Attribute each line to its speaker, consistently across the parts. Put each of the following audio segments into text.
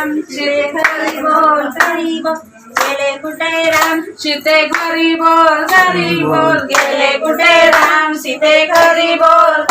Speaker 1: राम सीते घरी बोल गेले कुठे राम सीते घरी बोल गेले कुठे राम सीते घरी बोल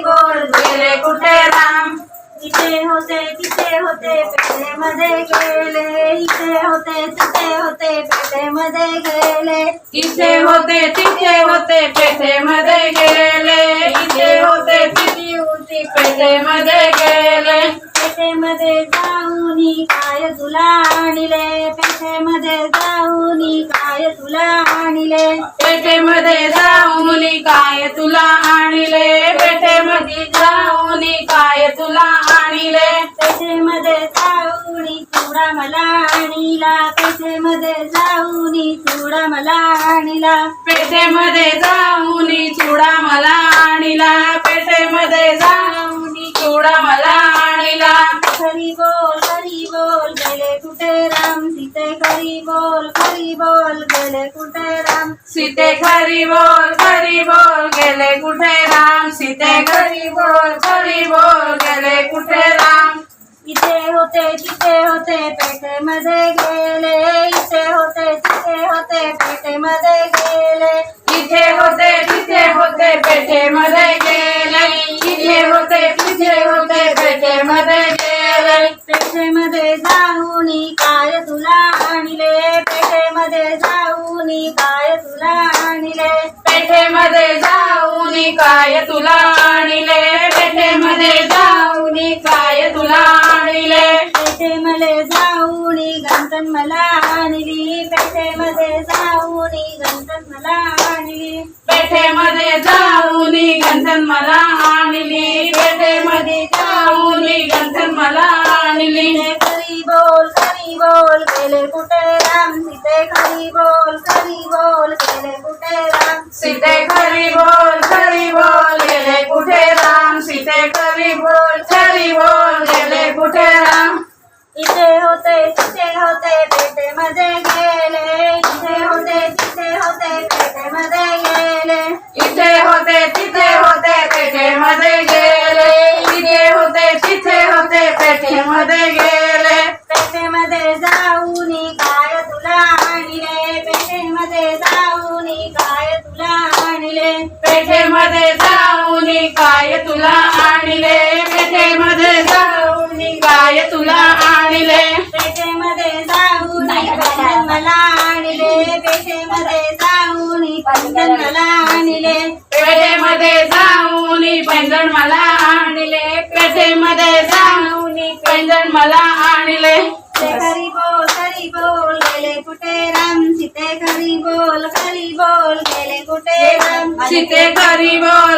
Speaker 1: गेले कुठे राम इथे होते तिथे होते पेठेमध्ये गेले इथे होते तिथे होते पेठेमध्ये गेले इथे होते तिथे होते पेठेमध्ये गेले इथे होते तिथे होती पेठेमध्ये गेले पेठेमध्ये जाऊनी काय तुला आणले पेठेमध्ये जाऊनी काय तुला आणले पेठेमध्ये जाऊनी काय तुला आणले पेठेमध्ये जाऊनी काय तुला आणले पेठेमध्ये जाऊनी चुडा मला आणला पेठेमध्ये जाऊनी चुडा मला आणला पेठेमध्ये जाऊनी चुडा मला आणला पेठेमध्ये जाऊनी चुडा मला आणला खरी बोल गेले कुठे राम सीते खरी बोल गेले कुठे राम सीते खरी बोल गेले कुठे राम सीते खरी बोल गेले कुठे राम इथे होते तिथे होते पेठेमध्ये गेले इथे होते तिथे होते पेठेमध्ये गेले इथे होते तिथे होते पेठेमध्ये गेले इथे होते तिथे होते पेठेमध्ये गेले पेठेमध्ये जाऊनी काय तुला आणले पेठेमध्ये जाऊनी काय तुला आणले पेठेमध्ये जाऊनी काय तुला आणले पेठेमध्ये जाऊनी काय तुला आणले पेठेमध्ये जाऊनी गंतन मला आणली पेठेमध्ये जाऊनी गंतन मला आणली पेठेमध्ये जाऊनी गंतन मला आणली पेठेमध्ये जाऊनी गंतन मला आणली खरी बोल गेले कुठे राम सीते खरी बोल गेले कुठे राम सीते खरी बोल गेले कुठे राम सीते खरी बोल गेले कुठे राम इथे होते तिथे होते पेठेमध्ये गेले इथे होते तिथे होते पेठेमध्ये गेले इथे होते तिथे होते पेठेमध्ये गेले इथे होते तिथे होते पेठेमध्ये गेले पेठेमध्ये जाऊनी काय तुला आणले पेठेमध्ये जाऊनी काय तुला आणले पेठेमध्ये जाऊनी काय तुला आणले पेठेमध्ये जाऊनी काय तुला आणले पेठेमध्ये जाऊनी पैंजण मला आणले पेठेमध्ये जाऊनी पैंजण मला आणले पेठेमध्ये जाऊनी पैंजण मला आणले पेठेमध्ये जाऊनी पैंजण मला आणले खरी बोल गेले कुठे राम सीते खरी बोल गेले कुठे राम सीते खरी बोल